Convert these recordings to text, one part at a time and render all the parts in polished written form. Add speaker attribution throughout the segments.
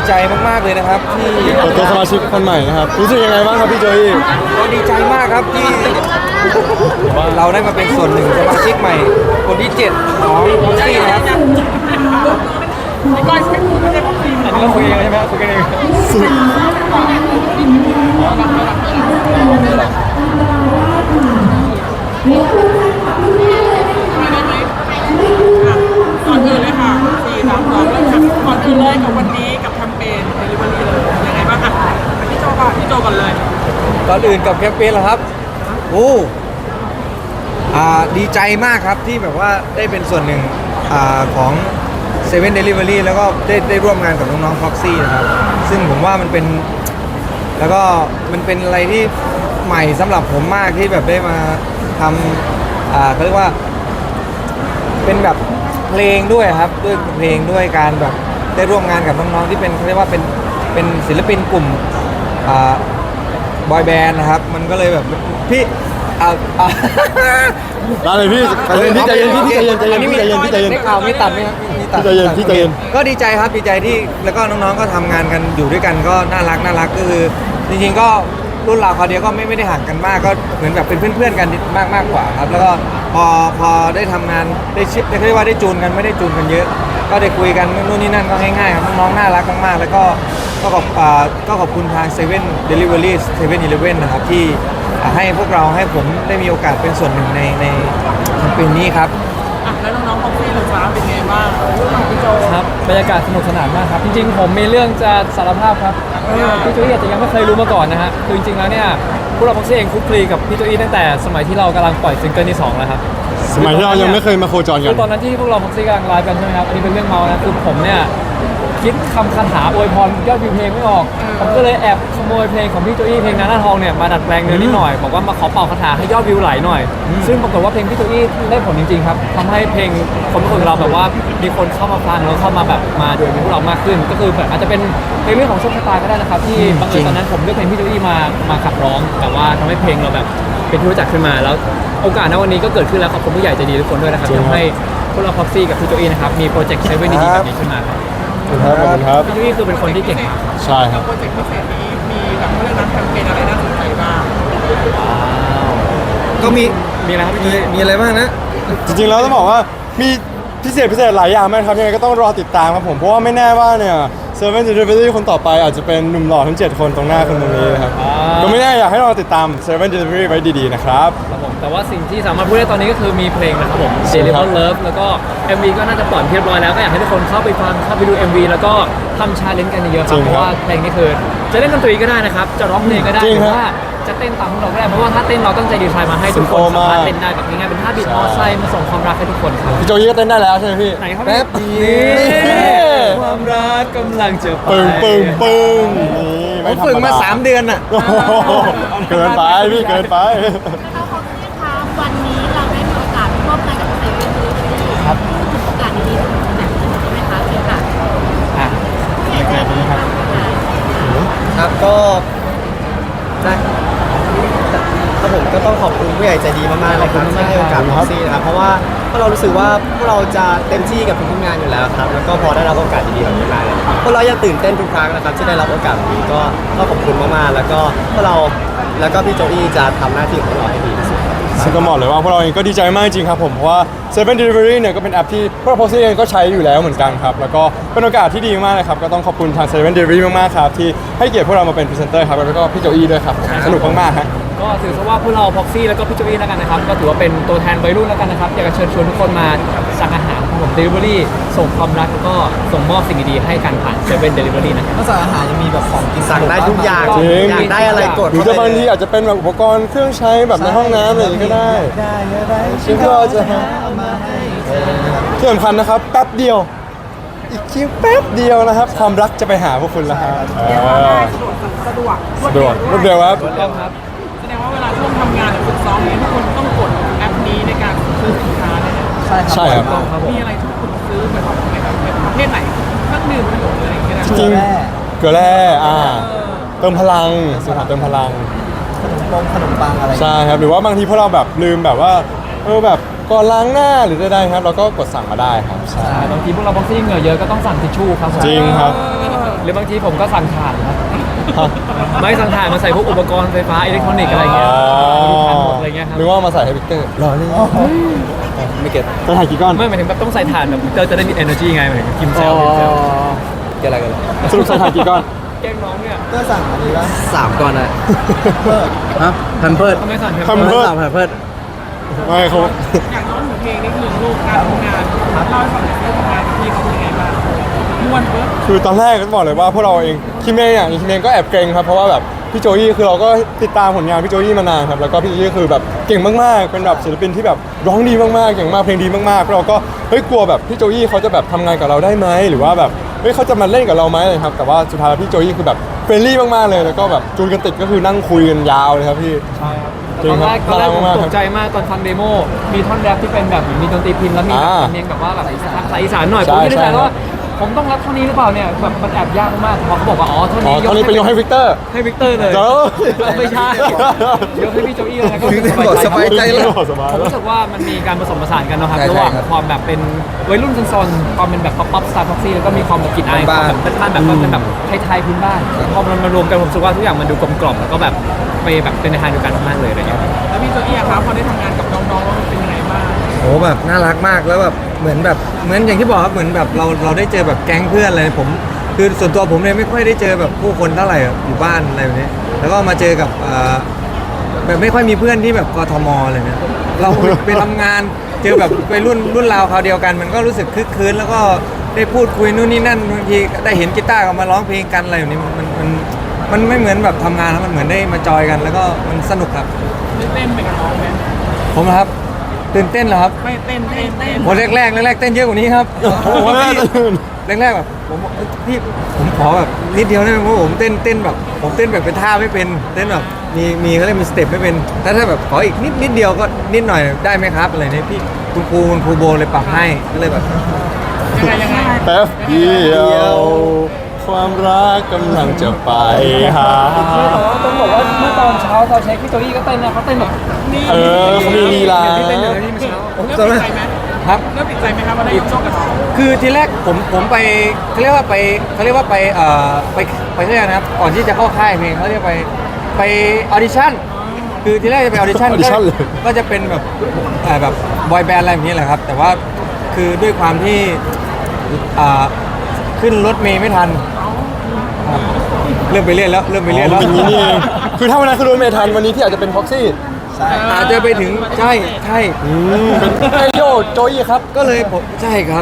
Speaker 1: ใจมากๆเลยนะครับที่
Speaker 2: เปิดตัวสมาชิกคนใหม่นะครับรู้สึกยังไงบ้างครับพี่โจอี้
Speaker 1: ก็ดีใจมากครับที่เราได้มาเป็นส่วนหนึ่งสมาชิกใหม่คนที่7ของพ็อกซี่นะครับ
Speaker 3: อันนี้เราคุยกันใช่ไหมคุยกันเองก่อนอื่นเลยค่ะ4 3 2เริ่มค่ะก่อนอื่นเลยกับวันนี้กับแคมเปญ Delivery เลยยังไงบ้างคะพี่โจก่อนเลย
Speaker 1: ก่อนอื่นกับแคมเปญเหรอครับโอ้ดีใจมากครับที่แบบว่าได้เป็นส่วนหนึ่งของ7 Delivery แล้วก็ได้ร่วมงานกับน้องๆ Proxy นะครับซึ่งผมว่ามันเป็นแล้วก็มันเป็นอะไรที่ใหม่สำหรับผมมากที่แบบได้มาทำเขาเรียกว่าเป็นแบบเพลงด้วยครับด้วยเพลงด้วยการแบบได้ร่วมงานกับน้องๆที่เป็นเขาเรียกว่าเป็นศิลปินกลุ่มบอยแบนด์นะครับมันก็เลยแบบพี่
Speaker 2: ได้เลยพี่ใจเย็นพี่ใจเย็น
Speaker 1: ได้ข่าวไม่ตัดไหมครับ
Speaker 2: พี่ใจเย็น
Speaker 1: ก็ดีใจครับดีใจที่แล้วก็น้องๆก็ทำงานกันอยู่ด้วยกันก็น่ารักก็คือจริงๆก็รุ่นราวคราวเดียวก็ไม่ได้ห่างกันมากก็เหมือนแบบเป็นเพื่อนๆกันมากกว่าครับแล้วก็พอได้ทำงานได้เรียกว่าได้จูนกันไม่ได้จูนกันเยอะก็ได้คุยกันนู่นนี่นั่นก็ง่ายๆครับน้องๆน่ารักมากๆแล้วก็ขอบคุณทาง7 Delivery 7-Eleven นะครับที่ให้พวกเราให้ผมได้มีโอกาสเป็นส่วนหนึ่งในแคมเปญนี้ครับ
Speaker 3: แล้วน้องๆพ็อกซี่หรือฟ้าเป็นไงบ้างพี่โจ
Speaker 4: ครับบรรยากาศสนุกสนานมากครับจริงๆผมมีเรื่องจะสารภาพครับพี่โจอี้อาจจะยังไม่เคยรู้มาก่อนนะฮะคือจริงๆแล้วเนี่ยพวกเราพ็อกซี่เองคลุกคลีกับพี่โจอี้ตั้งแต่สมัยที่เรากำลังปล่อยซิงเกิลที่2แล้วครับ
Speaker 2: สมัยที่เรายังไม่เคยมาโคจรกัน
Speaker 4: ตอนนั้นที่พวกเราพ็อกซี่กำลังไลฟ์กันใช่ไหมครับอันนี้เป็นเรื่องเมานะคือผมเนี่ยคิดคำคาถาอวยพรยอดวิวเพลงไม่ออกผมก็เลยแอบขโมยเพลงของพี่โจอี้เพลงนาหน้าทองเนี่ยมาดัดแปลงเนื้อนิดหน่อยบอกว่ามาขอเป่าคาถาให้ยอดวิวไหลหน่อยซึ่งปรากฏว่าเพลงพี่โจอี้ได้ผลจริงๆครับทำให้เพลงคนทุกคนเราแบบว่ามีคนเข้ามาฟังแล้วเข้ามาแบบมาดูพวกเรามากขึ้นก็คือแบบอาจจะเป็นเพลงเรื่องของโชคชะตาก็ได้นะครับที่บางทีตอนนั้นผมเลือกเพลงพี่โจอี้มาขับร้องแต่ว่าทำให้เพลงเราแบบเป็นที่รู้จักขึ้นมาแล้วโอกาสในวันนี้ก็เกิดขึ้นแล้วขอบคุณผู้ใหญ่ใจดีทุกคนด้วยนะครับทำให้พวกเราพ็อกซี่กับพี่โจอี้นะครับมีโปรเจกต์7ดีๆแบบนี้ขึ้นมา
Speaker 2: ครับ
Speaker 4: พี่นี่คือเป็นคนที่เก่งมาก
Speaker 2: ใช่ครับ
Speaker 3: โปรเจกต์พิเศษนี้มีแบบเรื่องนั้นแคมเปญอะไรน่าสนใจบ้าง
Speaker 1: ก็มี
Speaker 4: อะไรครับ
Speaker 1: มีอะไรบ้างนะ
Speaker 2: จริงๆแล้วต้องบอกว่ามีพิเศษหลายอย่างมากครับยังไงก็ต้องรอติดตามครับผมเพราะว่าไม่แน่ว่าเนี่ย7 Delivery คนต่อไปอาจจะเป็นหนุ่มหล่อทั้ง7คนตรงหน้าคนตรงนี้นะครับก็ไม่แน่อยากให้เราติดตาม7 Delivery ไว้ดีๆนะครับ
Speaker 4: แต่ว่าสิ่งที่สามารถพูดได้ตอนนี้ก็คือมีเพลงนะครับผม Deliver Love แล้วก็ MV ก็น่าจะปล่อยเรียบร้อยแล้วก็อยากให้ทุกคนเข้าไปฟังเข้าไปดู MV แล้วก็ทำชาเลนจ์กันเยอะๆครับเพราะว่าเพลงนี้คือจะเล่นดนตรีก็ได้นะครับจะร้องเพลงก็ได้หรือว่าจะเต้นตามพวกเราก็ได้เพราะว่าถ้าเต้นเราตั้งใจดีไซน์มาให้ทุกคนสามารถเต้นได้แบบง่ายๆเป็นท่าบีทมอไซค์มาส่งความรักให้ทุกคนครับ
Speaker 2: พี่โจยี่ก็เต้นได้แล้วใช่ไหมพี่
Speaker 4: ไหนครับ
Speaker 1: แป๊บเดียว
Speaker 4: ความรักกำลังจะไป
Speaker 2: ปึ้ง
Speaker 1: ผมฝึกมา3 เดือนอ่ะ
Speaker 2: เกินไปพี่เกินไป
Speaker 5: เราขอบคุณค่ะวันนี้เราได้มีโอกาสร่วมงานกับ7 Delivery ครับโอกาสดีๆแบบนี้ใช่ไหมคะเชิญค่ะผู้ใหญ่ใจดีครับ
Speaker 6: ครับก็ได้ครับผมก็ต้องขอบคุณผู้ใหญ่ใจดีมากๆเลยครับที่ให้โอกาสพ็อกซี่นะครับเพราะว่าพวกเรารู้สึกว่าพวกเราจะเต็มที่กับทุกงานอยู่แล้วครับแล้วก็พอได้รับโอกาสดีๆแบบนี้มาเนี่ยพวกเรายังตื่นเต้นทุกครั้งนะครับที่ได้รับโอกาสแบบนี้ก็ขอบคุณมากๆแล้วก็พวกเราแล้วก็พี่โจอี้จะทำหน้าที่ของเราให้ดีที่สุด
Speaker 2: ซึ่งก็บอกเลยว่าพวกเราเองก็ดีใจมากจริงครับผมเพราะว่า7 Delivery เนี่ยก็เป็นแอปที่พวกเราพ็อกซี่เองก็ใช้อยู่แล้วเหมือนกันครับแล้วก็เป็นโอกาสที่ดีมากเลยครับก็ต้องขอบคุณทาง7 Delivery มากๆครับที่ให้เกียรติพวกเรามาเป็นพรีเซนเตอร์ครับแล้วก็พี่โจอี้ด้วยครับสนุกมากๆฮะ
Speaker 4: ก็ถือซะว่าพวกเราพ็อกซี่แล้วก็พี่โจอี้แล้วกันนะครับก็ถือว่าเป็นตัวแทนวัยรุ่นแล้วกันนะครับอยากจะเชิญชวนทุกคนมาสั่งอาหารของผม Delivery ส่งความรักแล้วก็ส่งมอบสิ่งดีๆให้กันผ่าน7 Delivery นะครับ
Speaker 1: นอกจากอาหารยังมีแบบของกิน
Speaker 6: สั่งได้ทุกอย่างอยากได้อะไรกด
Speaker 2: หรือจะบางทีอาจจะเป็นแบบอุปกรณ์เครื่องใช้แบบในห้องน้ำอะไรอย่างนี้ก็ได้ซึ่งก็จะที่สำคัญนะครับแป๊บเดียวอีกคิวแป๊บเดียวนะครับความรักจะไปหาพวกคุณแล้วครับ
Speaker 3: สะดวก
Speaker 2: รวดเร็วครับ
Speaker 3: ถูกต้องครับแสดงว่าเวลาช่วงทำงานหรือฝึกซ้อมนี้ทุกคนต้องกดแอปนี้ในการซื้อสินค้าเนี่ย
Speaker 2: ใช่ครับ
Speaker 3: มีอะไรที่คุณซื้อแบบไหนครับประเภทไหนเครื่องดื่มขนมอะไรอย่างเงี้ย
Speaker 2: จริงเกลือแร่เติมพลังสินค้าเติมพลัง
Speaker 1: ขนมปังอะไร
Speaker 2: ใช่ครับหรือว่าบางทีพวกเราแบบลืมแบบว่าแบบก่อนล้างหน้าหรือใดๆครับเราก็กดสั่งมาได้ครับใช่
Speaker 4: บางทีพวกเราบ็อกซี่เหงื่อเยอะก็ต้องสั่งทิชชู่ครับผม
Speaker 2: จริงครับ
Speaker 4: หรือบางทีผมก็สั่งถ่านครับไม่สั่งถ่านมาใส่พวกอุปกรณ์ไฟฟ้าอิเล็กทรอนิกส์อะไรเงี้ยถ่านหมดอะไรเงี้ยครับ
Speaker 2: นึกว่ามาใส่ให้วิกเตอร์รอเลยไม่เก็ตจะถ่ายกี่ก้อน
Speaker 4: ไม่หมายถึงแบบต้องใส่ถ่านแบบเตอร์จะได้มี energy ไงหมายถึงกินเซลล์
Speaker 1: เกี่ยวอะไรกัน
Speaker 2: สรุปใส่ถ่ายกี่ก้อน
Speaker 4: แกล้งน้องเนี่ย
Speaker 6: ก็สั่งอันนี้ละ
Speaker 1: 3 ก่อนอะฮะพันเพิร์ด
Speaker 4: ทำไมสั่น
Speaker 2: ทำเพิ่ม
Speaker 1: พันเพิร์ด
Speaker 2: ไม่เขา
Speaker 3: อย่างน้องหนูเพลงนี่คือลูกการทำงานเล่าให้ฟังหน่อยว่าทำงานกับพี่เขาเป็นยังไงบ้างม่วนเบิร์ด
Speaker 2: คือตอนแรกก็บอกเลยว่าพวกเราเองคิมเองอย่างคิมเองก็แอบเกรงครับเพราะว่าแบบพี่โจยี่คือเราก็ติดตามผลงานพี่โจยี่มานานครับแล้วก็พี่โจยี่คือแบบเก่งมากๆเป็นแบบศิลปินที่แบบร้องดีมากๆเก่งมากเพลงดีมากๆเราก็เฮ้ยกลัวแบบพี่โจยี่เขาจะแบบทำงานกับเราได้ไหมหรือว่าแบบเฮ้ยเขาจะมาเล่นกับเราไหมอะไรครับแต่ว่าสุดท้ายแล้วพี่โจยี่คือแบบเฟรนลี่มากๆเลยแล้วก็แบบจูนกันติดก็คือนั่งคุยกันยาวเลยครับพี่
Speaker 4: ใช่ครับ
Speaker 2: จริ
Speaker 4: ต
Speaker 2: ง
Speaker 4: อน
Speaker 2: ครับ
Speaker 4: แรกผม
Speaker 2: น่ารักมาก
Speaker 4: ตกใจมากตอนฟังเดโมมีท่อนแรปที่เป็นแบบเหมือนมีดนตรีพินแล้วมีแบบ
Speaker 2: อ่า
Speaker 4: สำเนียงแบบว่าแบบภาษาอีสานหน่อย
Speaker 2: ใช่
Speaker 4: ผมไม่ได้
Speaker 2: ใช่
Speaker 4: ใส่ว่าผมต้องรับเท่านี้หรือเปล่าเนี่ยแบบมันแอบยากมากพอเขาบอกว่าอ๋อเท่า
Speaker 2: อ๋อ
Speaker 4: นี้
Speaker 2: ตอนนี้เป็นยกให้วิกเตอร์
Speaker 4: ให้วิกเตอร์เลย
Speaker 2: เจ้า
Speaker 4: ไม่ใช่ยกให้พี่โจอี้เลยนะก็
Speaker 1: วิกเตอร์บอกสบายใจแล้ว
Speaker 2: สบาย
Speaker 4: ผม
Speaker 2: แล้ว
Speaker 4: รู้สึกว่ามันมีการผสมผสานกันนะครับ
Speaker 1: ใช่
Speaker 4: ระหว่าง
Speaker 1: ใช่ครับ
Speaker 4: ความแบบเป็นวัยรุ่นซนๆความเป็นแบบป๊อปสไตล์พ็อกซี่แล้วก็มีความแบบกลิ่นอายความ
Speaker 1: บ้าน
Speaker 4: แบบเป็นบ้านแบบความเป็นแบบไทยๆพื้นบ้านพอมันมารวมกันผมรู้สึกว่าทุกอย่างมันดูกลมกล่อมแล้วก็แบบไปแบบเป็นในทางเดียวกันมากๆเลยอะไรเงี้ย
Speaker 3: แล้วพี่โจอี้อะครับพอได้ทำงานกับน้องๆแล้วมันเป็นยังไงบ้าง
Speaker 1: โหแบบน่ารักมากแล้วแบบเหมือนอย่างที่บอกครับเหมือนแบบเราได้เจอแบบแก๊งเพื่อนเลยผมคือส่วนตัวผมเนี่ยไม่ค่อยได้เจอแบบผู้คนเท่าไหร่อยู่บ้านอะไรแบบนี้แล้วก็มาเจอกับแบบไม่ค่อยมีเพื่อนที่แบบกทมอะไรเนี่ยเราไปทำงานเจอแบบไปรุ่นราวคราวเดียวกัน มันก็รู้สึกคึกคืนแล้วก็ได้พูดคุยนู่นนี่นั่นบางทีได้เห็นกีตาร์เขามาร้องเพลงกันอะไรแบบนี้มันไม่เหมือนแบบทำงานแล้วมันเหมือนได้มาจอยกัน แล้วก็มันสนุกครับ
Speaker 3: ได้เต้นไปกับน้องไหม
Speaker 1: ผมนะครับตื่นเต้นเหรอครับ
Speaker 3: ไม่เต้นเต้น
Speaker 1: โอ้แรกเต้นเยอะกว่านี้ครับโอ้โหพี่แรกแบบผมบอกพี่ผมขอแบบนิดเดียวได้ไหมเพราะผมเต้นแบบผมเต้นแบบเป็นท่าไม่เป็นเต้นแบบมีเขาเรียกมีสเต็ปไม่เป็นถ้าแบบขออีกนิดเดียวก็นิดหน่อยได้ไหมครับอะไรเนี่ยพี่คุณครูโบเลยปรับให้ก็เลยแบบ
Speaker 3: ยังไง
Speaker 2: แป๊บเดียวความรักกำลังจะไปหา
Speaker 4: ต้องบอกว่าเมื่อตอนเช้าตอนเช็คพี่โจอี้ก็เต้นนะเขาเต้นแบบ
Speaker 3: นี่
Speaker 2: เออเขามีลีลา
Speaker 4: ที่เต้นอยู่ในที่เมื่อเช้า
Speaker 1: ผม
Speaker 3: เริ่ม
Speaker 1: ตอน
Speaker 3: ติ
Speaker 1: แร
Speaker 3: ด
Speaker 1: ก
Speaker 3: ใจไหม
Speaker 1: ครับ
Speaker 3: เริ่มติดใจไหมครับว่าได้ยกช่องกับน้อง
Speaker 1: คือทีแรกผมไปเขาเรียกว่าไปเขาเรียกว่าไปไปเรื่อยนะครับก่อนที่จะเข้าค่ายเพลงเขาเรียกไปออดิชั่นคือทีแรกจะไปออดิชั่น
Speaker 2: audition เลย
Speaker 1: ก็จะเป็นแบบบอยแบนด์อะไรแบบนี้แหละครับ แต่ว่าคือด้วยความที่ขึ้นรถเมย์ไม่ทันครับเริ่มไปเรื่อยแล้ว
Speaker 2: อ๋อเป็นอย่างนี้นี่เองคือถ้าวันนั้นคือโดนเมทันวันนี้ที่อาจจะเป็นพ็อกซี่
Speaker 1: อาจจะไปถึงใช่
Speaker 2: เป็นไอโยโจยี่ครับ
Speaker 1: ก็เลยผมใช่ครับ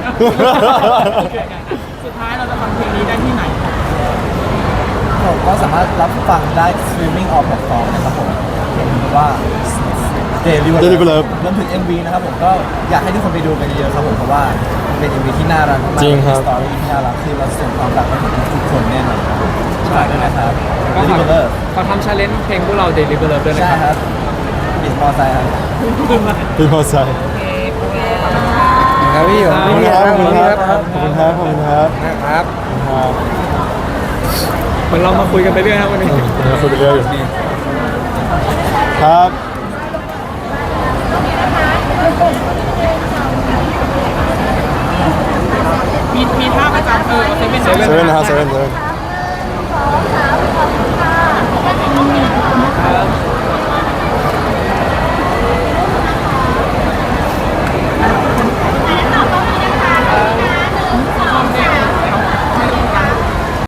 Speaker 3: สุดท้ายเราจะฟังเพลงนี้ได้ที่ไหน
Speaker 6: ผมก็สามารถรับฟังได้สตรีมมิ่งออฟแพลตฟอร์มนะครับผมเห็นว่า Daily
Speaker 2: Daily
Speaker 6: Love
Speaker 2: Love
Speaker 6: รวมถึง MV นะครับผมก็อยากให้ทุกคนไปดูกันเยอะๆครับผมเพราะว่าเป็น MV ที่น่ารักมากๆ
Speaker 2: จริงครับ
Speaker 6: สตอรี่ที่น่ารักคือเราส่งความรักไปถึงทุกคนแน่นอนครับฝากด้วยนะครับ
Speaker 4: ก็
Speaker 6: Daily Love
Speaker 4: เขาทำชาเลนจ์เพลงพวกเรา Daily Love ด้วยนะ
Speaker 6: ใช่
Speaker 4: ครับ
Speaker 6: ครับบิสมอไซค์ครับ
Speaker 2: พี่พอใจ
Speaker 1: ครับพี่
Speaker 2: ขอบคุณครับขอบคุณครับขอบคุณครับขอบคุณครับ
Speaker 1: นะครับ
Speaker 2: ครับ
Speaker 4: เหมือนเรามาคุยกันไปเรื่อยนะวันนี้
Speaker 2: เราคุยไปเรื่อยอยู่ครับ
Speaker 3: มีท่าประจำเซเว่น
Speaker 2: เซเว่นนะครับเซเว่น